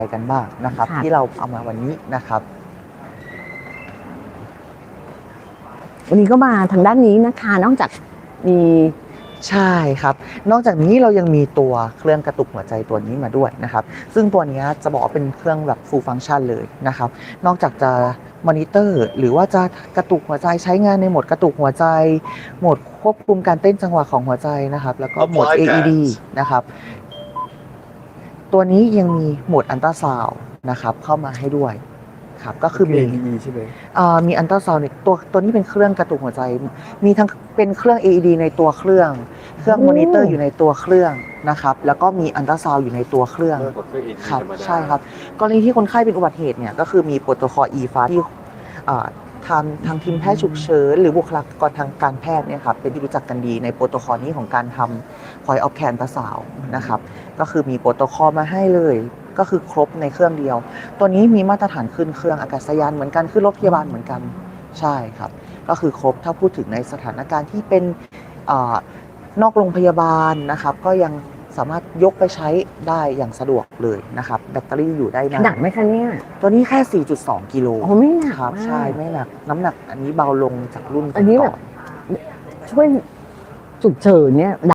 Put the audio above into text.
กันบ้างนะครับที่เราเอามาวันนี้นะครับวันนี้ก็มาทางด้านนี้นะคะนอกจากมีใช่ครับนอกจากนี้เรายังมีตัวเครื่องกระตุกหัวใจตัวนี้มาด้วยนะครับซึ่งตัวนี้จะบอกว่าเป็นเครื่องแบบ full function เลยนะครับนอกจากจะมอนิเตอร์หรือว่าจะกระตุกหัวใจใช้งานในโหมดกระตุกหัวใจโหมดควบคุมการเต้นจังหวะของหัวใจนะครับแล้วก็โหมด AED นะครับตัวนี้ยังมีโหมดอัลตราซาวด์นะครับเข้ามาให้ด้วยครับก็คือมี AED ใช่ไหมมีอัลตราซาวด์ตัวนี้เป็นเครื่องกระตุกหัวใจ มีทั้งเป็นเครื่อง AED ในตัวเครื่องมอนิเตอร์อยู่ในตัวเครื่องนะครับ แล้วก็มีอัลตราซาวด์อยู่ในตัวเครื่องมากกว่าเครื่อง AED ครับธรรมดาใช่ครับกรณีที่คนไข้เป็นอุบัติเหตุเนี่ยก็คือมีโปรโตคอล e-fast ที่ทางทีมแพทย์ฉุกเฉินหรือบุคลากรทางการแพทย์เนี่ยครับเป็นที่รู้จักกันดีในโปรโตคอลนี้ของการทำ point of care อัลตราซาวด์นะครับก็คือมีโปรโตคอลมาให้เลยก็คือครบในเครื่องเดียว ตัวนี้มีมาตรฐานขึ้นเครื่องอากาศยานเหมือนกันขึ้นรถพยาบาลเหมือนกันใช่ครับก็คือครบถ้าพูดถึงในสถานการณ์ที่เป็นนอกโรงพยาบาลนะครับก็ยังสามารถยกไปใช้ได้อย่างสะดวกเลยนะครับแบตเตอรี่อยู่ได้นานหนักไหมคะเนี่ยตัวนี้แค่ 4.2 กิโลโอ้ไม่หนักครับมากใช่ไม่หนักน้ำหนักอันนี้เบาลงจากรุ่นก่อันนี้แบบ ช่วยฉุกเฉินเนี่ย